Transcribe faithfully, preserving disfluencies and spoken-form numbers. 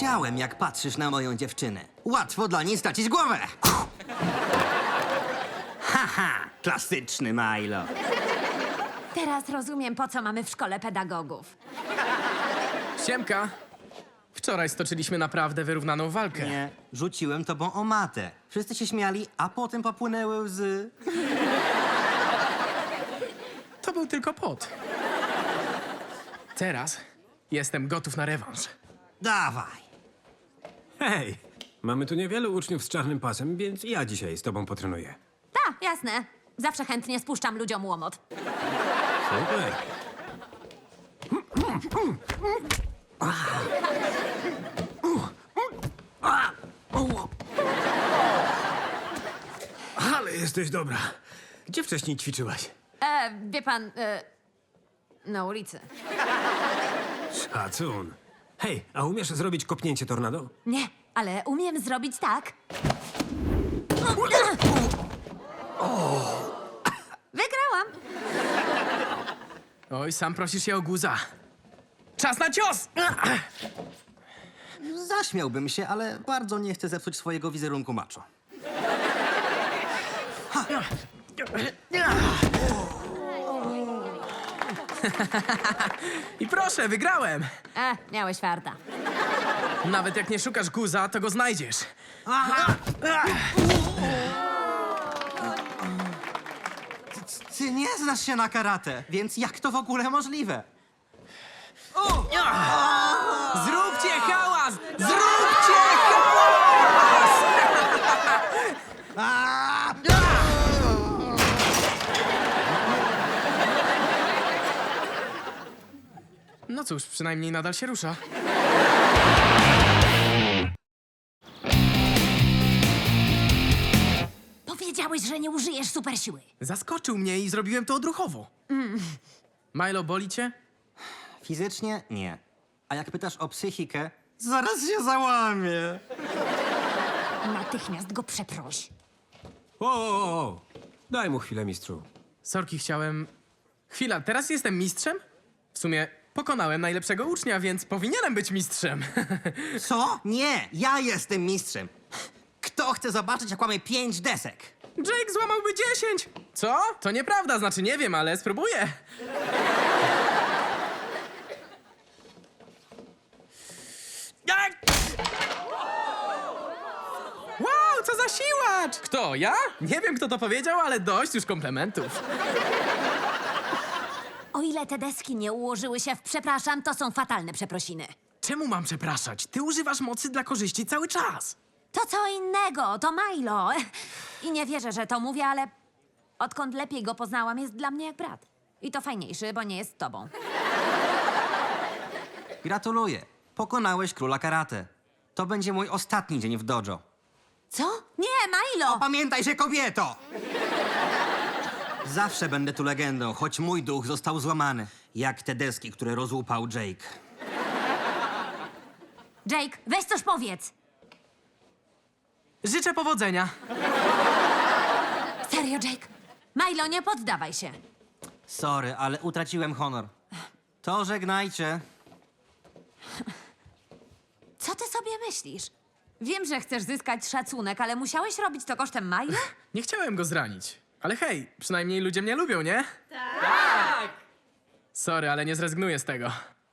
Widziałem, jak patrzysz na moją dziewczynę. Łatwo dla niej stracić głowę. Haha, klasyczny Milo. Teraz rozumiem, po co mamy w szkole pedagogów. Siemka. Wczoraj stoczyliśmy naprawdę wyrównaną walkę. Nie, rzuciłem tobą o matę. Wszyscy się śmiali, a potem popłynęły łzy. To był tylko pot. Teraz jestem gotów na rewanż. Dawaj. Hej, mamy tu niewielu uczniów z czarnym pasem, więc ja dzisiaj z tobą potrenuję. Tak, jasne. Zawsze chętnie spuszczam ludziom łomot. Super. Ale jesteś dobra. Gdzie wcześniej ćwiczyłaś? E, wie pan, e, na ulicy. Szacun. Hej, a umiesz zrobić kopnięcie tornado? Nie, ale umiem zrobić tak. Wygrałam. Oj, sam prosisz się o guza. Czas na cios! Zaśmiałbym się, ale bardzo nie chcę zepsuć swojego wizerunku macho. I proszę, wygrałem! E, miałeś farta. Nawet jak nie szukasz guza, to go znajdziesz. Ty nie znasz się na karate, więc jak to w ogóle możliwe? Zróbcie hałas! Zróbcie hałas! No cóż, przynajmniej nadal się rusza. Powiedziałeś, że nie użyjesz supersiły. Zaskoczył mnie i zrobiłem to odruchowo. Milo, boli cię? Fizycznie nie. A jak pytasz o psychikę, zaraz się załamie. Natychmiast go przeproś. O, o, o. Daj mu chwilę, mistrzu. Sorki, chciałem... Chwila, teraz jestem mistrzem? W sumie pokonałem najlepszego ucznia, więc powinienem być mistrzem. Co? Nie, ja jestem mistrzem. Kto chce zobaczyć, jak łamie pięć desek? Jake złamałby dziesięć! Co? To nieprawda, znaczy nie wiem, ale spróbuję. Jak? Wow, co za siłacz! Kto, ja? Nie wiem, kto to powiedział, ale dość już komplementów. O ile te deski nie ułożyły się w przepraszam, to są fatalne przeprosiny. Czemu mam przepraszać? Ty używasz mocy dla korzyści cały czas. To co innego, to Milo. I nie wierzę, że to mówię, ale odkąd lepiej go poznałam, jest dla mnie jak brat. I to fajniejszy, bo nie jest tobą. Gratuluję. Pokonałeś króla karate. To będzie mój ostatni dzień w dojo. Co? Nie, Milo! Pamiętaj się, kobieto! Zawsze będę tu legendą, choć mój duch został złamany. Jak te deski, które rozłupał Jake. Jake, weź coś powiedz. Życzę powodzenia. Serio, Jake? Milo, nie poddawaj się. Sorry, ale utraciłem honor. To żegnajcie. Co ty sobie myślisz? Wiem, że chcesz zyskać szacunek, ale musiałeś robić to kosztem Milo? Nie chciałem go zranić. Ale hej, przynajmniej ludzie mnie lubią, nie? Tak! Sorry, ale nie zrezygnuję z tego.